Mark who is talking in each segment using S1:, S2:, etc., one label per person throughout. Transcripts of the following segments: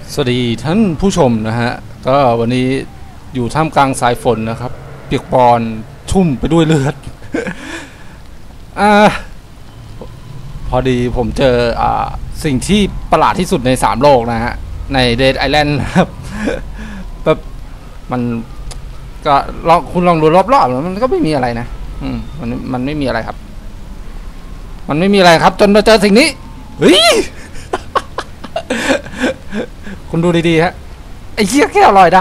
S1: สวัสดีท่านผู้ชมนะฮะก็วันนี้อยู่ท่ามกลางสายฝนนะครับเปียกปอนชุ่มไปด้วยเลือด อ่าพอดีผมเจอสิ่งที่ประหลาดที่สุดใน3โลกนะฮะในเดดไอแลนด์ครับ แบบมันก็คุณลองดูรอบๆมันก็ไม่มีอะไรนะมันไม่มีอะไรครับมันไม่มีอะไรครับจนมาเจอสิ่งนี้เฮ้ย คุณดูดีๆฮะไอ้เหี้ยแค่อร่อยได้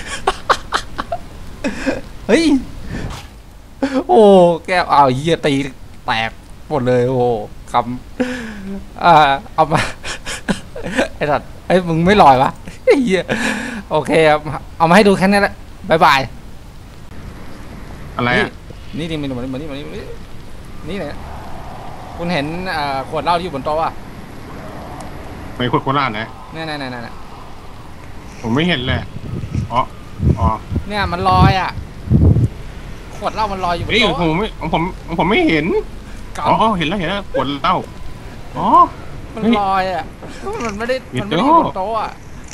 S1: เฮ้ยโอ้แก้วเหี้ยตีแตกหมดเลยโอ้คำเอามา ไอ้สัตว์ไอ้มึงไม่ลอยวะไอ้เหี้ยโอเคครับเอามาให้ดูแค่นี้แหละบายบาย
S2: อะไรอ่ะ
S1: นี่มานี่เนี่ยคุณเห็นขวดเหล้าที่อยู่บนโต๊ะอ่ะ
S2: ไปขวดโคราชนะ
S1: นี่
S2: ผมไม่เห็นเลยอ๋อ
S1: เนี่ยมันลอยอ่ะขวดเหล้ามันลอยอยู่บนโต๊ะ
S2: ผมไม่เห็นอ๋อเห็นแล้วขวดเหล้าอ๋อ
S1: มันลอยอ่ะมันไม่ได้อยู่บนโต๊ะอ่ะ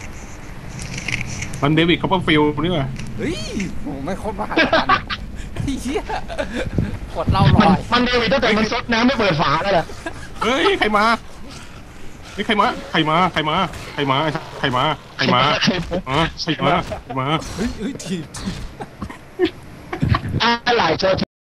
S2: มันเดวิดคัพเปอร์ฟิลด์นี่ว่ะ
S1: เฮ้ยโหไม่โคตรมหาศาลเฮียขวดเหล้าลอย
S3: มันเดวิดตั้งแต่มันซดน้ำไม่เปิดฝาแล้วแหละ
S2: เฮ้ยใครมาเฮ้ยใครมาเฮ้ย
S1: ที
S3: อะไรเจอ